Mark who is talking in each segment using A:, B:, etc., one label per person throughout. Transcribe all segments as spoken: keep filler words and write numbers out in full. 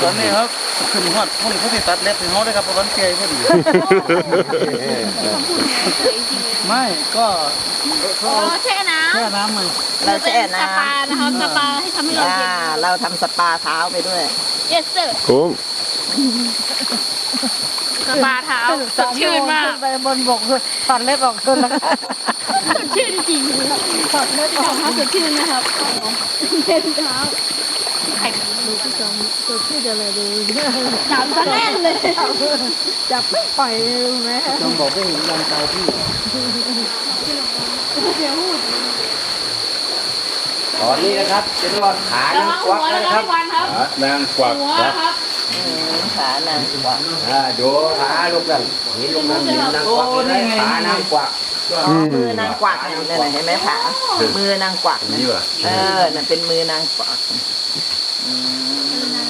A: ตอนนี้ครับขึ้นฮอดพุ่นเขาสิตัดเล็บให้เฮาได้ครับเพราะวันเกยพอดีไม่ก็
B: อ๋อแช่น้ำ
A: แค่น้ำมัน
C: เราแช่น้
B: สปานะคะสปาให้ทำให้
C: ำ
B: เรา
C: อ่า
B: เย็น
C: เราทำสปาเท้าไปด้วย
B: yes sir
D: คุ้ม
B: สปาเท้าสดชื่นมาก
E: ไปบนบกถอดเล็บออกเลยนะคะ
B: สดชื่นจริงถอดเล็บออกเท้าสดชื่นนะครับเล่นเท้าไข่
E: ดูพี่จอมตัวชื่ออะไรดู
B: จับซะแน่นเลย
E: จับไม่ปล่อยเลยรู้ไหม
A: จงบอกว่าเห็นยังตายพี่
F: ตอนนี้นะครับจะนวดขา
B: ระ
F: นาง
B: วัง
F: ก
B: หั
F: วัก
B: วนะ
F: นะ
B: ค
F: ค
B: รั
F: รั
B: บบ วันครับ
D: นางกวัก
B: หัวครับ
C: อืมขานางกวัก
F: อ่าดูขาลูกนั่นเห็นลูกนั่นเห็นนางกวักเลยขานางกวัก
C: อ๋อมือนางกวักนั่นน่ะเห็นไหมคะมือนางกวักนะ
D: นี่ว่ะ
C: เออนั่นเป็นมือนางกวักอืม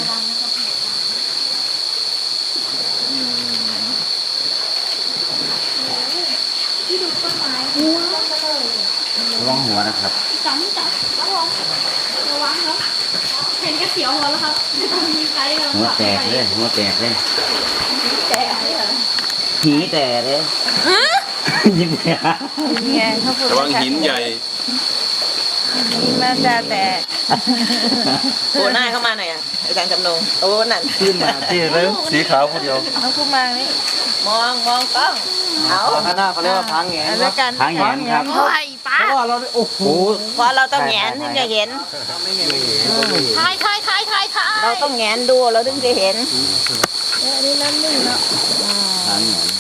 B: ที่ดูต้นไม้
F: ระวังหัวนะครับ
B: จังจับระวังระวังครับเห็นกระเสียวหัวแล้วครับมีใครกำลัง
F: หัวแตกเลยหัวแตกเลย
B: แตกเลยเหรอ
C: หีแต่เลย
F: ยิ้มแย้
E: ไงเขาพูด
D: ระวังหินใหญ่
E: นี่มาจะแต่
C: โผล่หน้าเข้ามาหน่อยอ่ะอาจารย์จำนงโอ้นั่น
A: ขึ้นมาที่เลยสีขาวผู้เดียว
E: เอาคู่มานี่
C: มองมองกล้องเอา
A: ข้างหน้าเขาเรียกว่าพังแงน
E: แล้วกัน
F: ทางแหนครับ
B: โอ้ยป้า
A: เพราะว่าเราโอ้โห
C: เพราะเราต้องแงนถึงจะเห็น
B: ทายทายทายทายทาย
C: เราต้องแงนดูเราถึงจะเห็น
E: อันนี้น้ำนึ่งเนาะ
F: ทางแหน